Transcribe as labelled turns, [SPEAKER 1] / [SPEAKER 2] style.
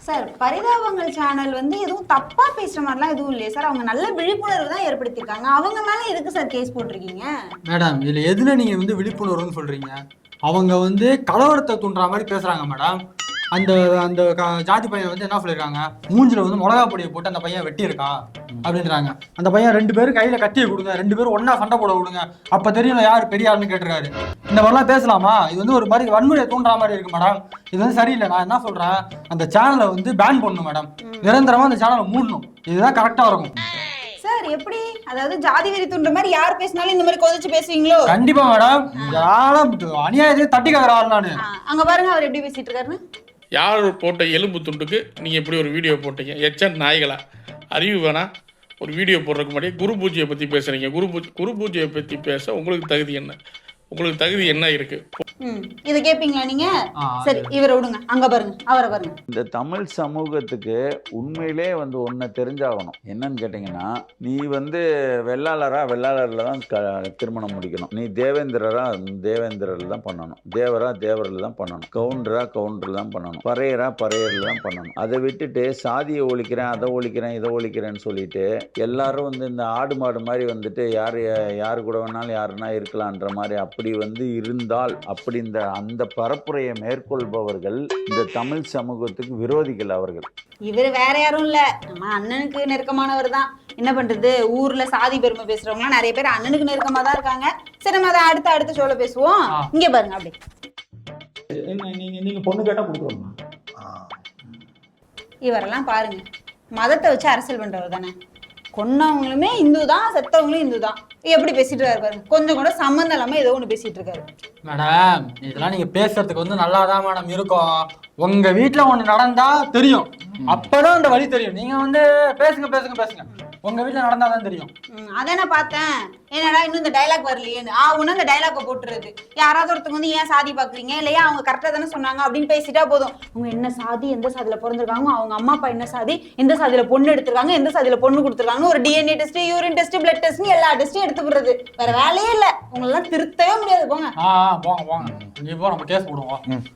[SPEAKER 1] Sir பரிதாபங்கள் channel வந்து எதுவும் தப்பா பேசுற மாதிரிலாம் எதுவும் இல்லையே சார். அவங்க நல்ல விழிப்புணர்வு தான் ஏற்படுத்தியிருக்காங்க. அவங்க மேல எதுக்கு சார் கேஸ் போட்டிருக்கீங்க?
[SPEAKER 2] மேடம் இதுல எதுல நீங்க விழிப்புணர்வுன்னு சொல்றீங்க? அவங்க கலவரத்தை தூண்டுற மாதிரி பேசுறாங்க மேடம். அந்த அந்த ஜாதி பையன் என்ன சொல்லியிருக்காங்க, மூஞ்சில மிளகா பொடியை போட்டு அந்த பையன் வெட்டி இருக்கான் அப்படின்றாங்க. அந்த பையன் 2 பேரும் கையில கட்டியை கொடுங்க, 2 பேரும் ஒன்னா சண்டை போட விடுங்க, அப்ப தெரியல யாரு பெரிய ஆளுன்னு கேட்டிருக்காரு. இந்த மாதிரிலாம் பேசலாமா? இது ஒரு மாதிரி வன்முறையை தூண்டுற மாதிரி இருக்கு மேடம். இது சரியில்லை. நான் என்ன சொல்றேன், அந்த சேனலை பேன் பண்ணணும் மேடம். நிரந்தரமா அந்த சேனலை மூடணும். இதுதான் கரெக்டா இருக்கும்.
[SPEAKER 1] சார் எப்படி, அதாவது ஜாதி வெறி தூண்டுற மாதிரி யார் பேசினாலும் இந்த மாதிரி கொதிச்சு பேசுவீங்களோ?
[SPEAKER 2] கண்டிப்பா மேடம். அநியாயத்தை தட்டி கேக்குறாரு. நானு
[SPEAKER 1] அங்க பாருங்க அவர் எப்படி பேசிட்டு இருக்காருன்னு.
[SPEAKER 3] யார் போட்ட எலும்பு துண்டுக்கு நீங்கள் எப்படி ஒரு வீடியோ போட்டீங்க? எச்சன் நாய்களா, அறிவு வேணா? ஒரு வீடியோ போடுறதுக்கு முன்னாடி குரு பூஜையை பற்றி பேசுகிறீங்க. குரு பூஜையை பற்றி பேச உங்களுக்கு தகுதி என்ன? உங்களுக்கு தகுதி என்ன இருக்கு?
[SPEAKER 1] இதை கேட்பீங்களா நீங்க? சரி, இவரை விடுங்க. அங்க பாருங்க, அவரை பாருங்க.
[SPEAKER 4] இந்த தமிழ் சமூகத்துக்கு உண்மையிலே ஒன்றை தெரிஞ்சாகணும். என்னன்னு கேட்டிங்கன்னா, நீ வெள்ளாளரில் தான் திருமணம் முடிக்கணும். நீ தேவேந்திரரில் தான் பண்ணணும். தேவரில் தான் பண்ணணும். கவுண்டரில் தான் பண்ணணும். பறையரில் தான் பண்ணணும். அதை விட்டுட்டு சாதியை ஒழிக்கிறேன், அதை ஒழிக்கிறேன், இதை ஒழிக்கிறேன்னு சொல்லிட்டு எல்லாரும் இந்த ஆடு மாடு மாதிரி யாரு கூட வேணாலும் யாருன்னா இருக்கலான்ற மாதிரி அப்படி இருந்தால் அந்த பரப்புரையை மேற்கொள்பவர்கள் இந்த தமிழ் சமூகத்துக்கு விரோதிகள். அவர்கள்
[SPEAKER 1] இவர் வேற யாரும் இல்ல, நம்ம அண்ணனுக்கு நெருக்கமானவர் தான். என்ன பண்றது, ஊர்ல சாதி பெருமை பேசுறவங்க நிறைய பேர் அண்ணனுக்கு நெருக்கமா தான் இருக்காங்க. சரி, நம்ம அதை அடுத்த ஷோல பேசுவோம். இங்க பாருங்க, அப்படி
[SPEAKER 5] நீங்க பொண்ணு கேட்டா கொடுக்குறோம்.
[SPEAKER 1] இவரெல்லாம் பாருங்க, மதத்தை வச்சு அரசியல் பண்றவர் தானே. கொன்னவங்களுமே இந்து தான், செத்தவங்களும் இந்து தான். எப்படி பேசிட்டு இருக்காரு பாருங்க. கொஞ்சம் கூட சம்மந்தம் இல்லாம ஏதோ ஒண்ணு பேசிட்டு இருக்காரு.
[SPEAKER 2] மேடம் இதெல்லாம் நீங்க பேசுறதுக்கு நல்லாதான் மேடம் இருக்கும். உங்க வீட்டுல ஒண்ணு நடந்தா தெரியும், அப்பதான் அந்த வழி தெரியும். நீங்க பேசுங்க உங்க வீட்டுல நடந்தாதான் தெரியும்.
[SPEAKER 1] அதான் நான் பார்த்தேன். என்னடா இன்னும் இந்த டைலாக் வரலையேன்னு ஒண்ணு இந்த டைலாக போட்டுறது. யாராவது ஒருத்தவங்க ஏன் சாதி பாக்குறீங்க இல்லையா, அவங்க கரெக்டா தானே சொன்னாங்க அப்படின்னு பேசிட்டா போதும். அவங்க என்ன சாதி, எந்த சாதியில பிறந்திருக்காங்க, அவங்க அம்மா அப்பா என்ன சாதி, எந்த சாதியில பொண்ணு எடுத்திருக்காங்க, எந்த சாதியில பொண்ணு கொடுத்துருக்காங்க, ஒரு DNA test, urine test, blood test, எல்லா டெஸ்ட்டும் எடுத்து விடுறது. வேற வேலையே இல்ல. உங்களெல்லாம் திருத்தவே முடியாது. போங்க
[SPEAKER 2] போங்க. நீ போ, நம்ம கேஸ் போடுவோம்.